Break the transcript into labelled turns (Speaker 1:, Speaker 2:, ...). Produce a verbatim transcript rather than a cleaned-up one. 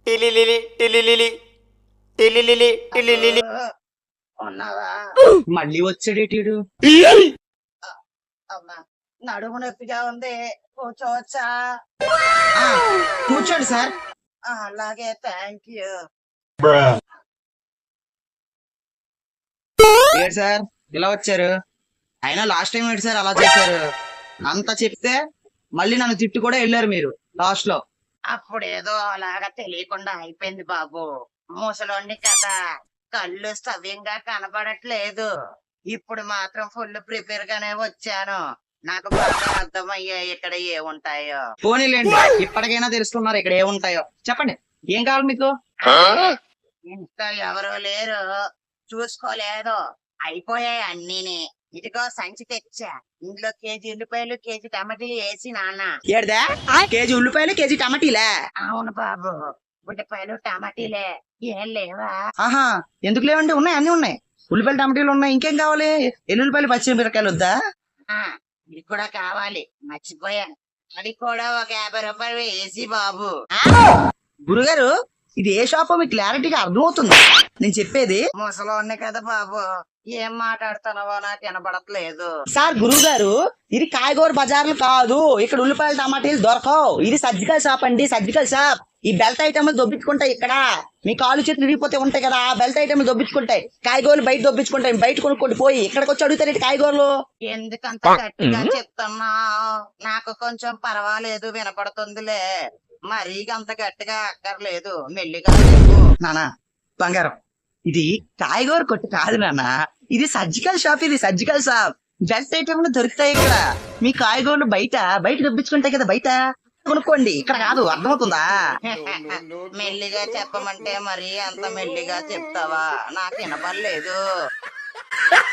Speaker 1: టిలిలిలి టిలిలిలి టిలిలిలి టిలిలిలి.
Speaker 2: ఉన్నావా?
Speaker 3: మళ్ళీ వచ్చాడేటీడు.
Speaker 2: అమ్మా నడుము నొప్పిగా ఉంది, కూర్చోవచ్చా?
Speaker 3: ఆ, కూర్చోండి సార్.
Speaker 2: ఆ, అలాగే, థ్యాంక్ యూ.
Speaker 3: ఏంటి సార్ ఇలా వచ్చారు? అయినా లాస్ట్ టైం ఏంటి సార్ అలా చేశారు? అంతా చెప్తే మళ్ళీ నన్ను తిట్టు కూడా వెళ్ళారు మీరు లాస్ట్ లో.
Speaker 2: అప్పుడేదో అలాగా తెలియకుండా అయిపోయింది బాబు. ముసలోండి కదా, కళ్ళు సవ్యంగా కనబడట్లేదు. ఇప్పుడు మాత్రం ఫుల్ ప్రిపేర్ గానే వచ్చాను. నాకు బాగా అర్థమయ్యాయి ఇక్కడ ఏముంటాయో.
Speaker 3: పోనీలేండి, ఇప్పటికైనా తెలుసుకున్నారు ఇక్కడ ఏముంటాయో. చెప్పండి, ఏం కావాలి మీకు?
Speaker 2: ఇంట్లో ఎవరు లేరు, చూసుకోలేదు, అయిపోయాయి అన్నీని. ఇదిగో సంచి తెచ్చా, ఇందులో కేజీ ఉల్లిపాయలు, కేజీ టమాటీలు వేసి నాన్న.
Speaker 3: ఏడదా కేజీ ఉల్లిపాయలు, కేజీ టమాటీలే?
Speaker 2: అవును బాబు, ఉల్లిపాయలు టమాటీలే. ఏం లేవా?
Speaker 3: ఆహా, ఎందుకు లేవండి, ఉన్నాయి, అన్ని ఉన్నాయి. ఉల్లిపాయలు టమాటీలు ఉన్నాయి, ఇంకేం కావాలి? ఎల్లుల్లిపాయలు, పచ్చిమిరపకాయలు వద్దా?
Speaker 2: ఆ, ఇది కూడా కావాలి, మర్చిపోయాను. అది కూడా ఒక యాభై రూపాయలు వేసి బాబు.
Speaker 3: గురుగారు, ఇది ఏ షాపో మీకు క్లారిటీగా అర్థమవుతుంది నేను చెప్పేది?
Speaker 2: ముసలోన్ని కదా బాబు, ఏం మాట్లాడుతున్నావో నాకు వినపడట్లేదు.
Speaker 3: సార్ గురువు గారు, ఇది కాయగూర బజార్లు కాదు, ఇక్కడ ఉల్లిపాయలు టమాటీలు దొరకవు. ఇది సర్జికల్ షాప్ అండి, సర్జికల్ షాప్. ఈ బెల్ట్ ఐటమ్లు దొబ్బించుకుంటాయి ఇక్కడ. మీ కాలు చేతులు విరిగిపోతే ఉంటాయి కదా, బెల్ట్ ఐటమ్లు దొబ్బించుకుంటాయి. కాయగూరలు బయట దొబ్బించుకుంటాయి, బయట కొనుక్కోండి. పోయి ఇక్కడికి వచ్చి అడుగుతారు కాయగూరలు.
Speaker 2: ఎందుకంత గట్టిగా చెప్తున్నావు? నాకు కొంచెం పర్వాలేదు, వినపడుతుందిలే. మరీ అంత గట్టిగా అక్కర్లేదు, మెల్లిగా చెప్పు.
Speaker 3: నానా బంగారం, ఇది కాయగూర కొట్టు కాదు నాన్న, ఇది సర్జికల్ షాప్. ఇది సర్జికల్ షాప్. బెల్ట్ ఐటమ్లు దొరుకుతాయి ఇక్కడ. మీ కాయగూరలు బయట బయట దొబ్బించుకుంటాయి కదా, బయట కొనుక్కోండి, ఇక్కడ కాదు. అర్థమవుతుందా?
Speaker 2: మెల్లిగా చెప్పమంటే మరి అంత మెల్లిగా చెప్తావా? నాకు వినపడలేదు.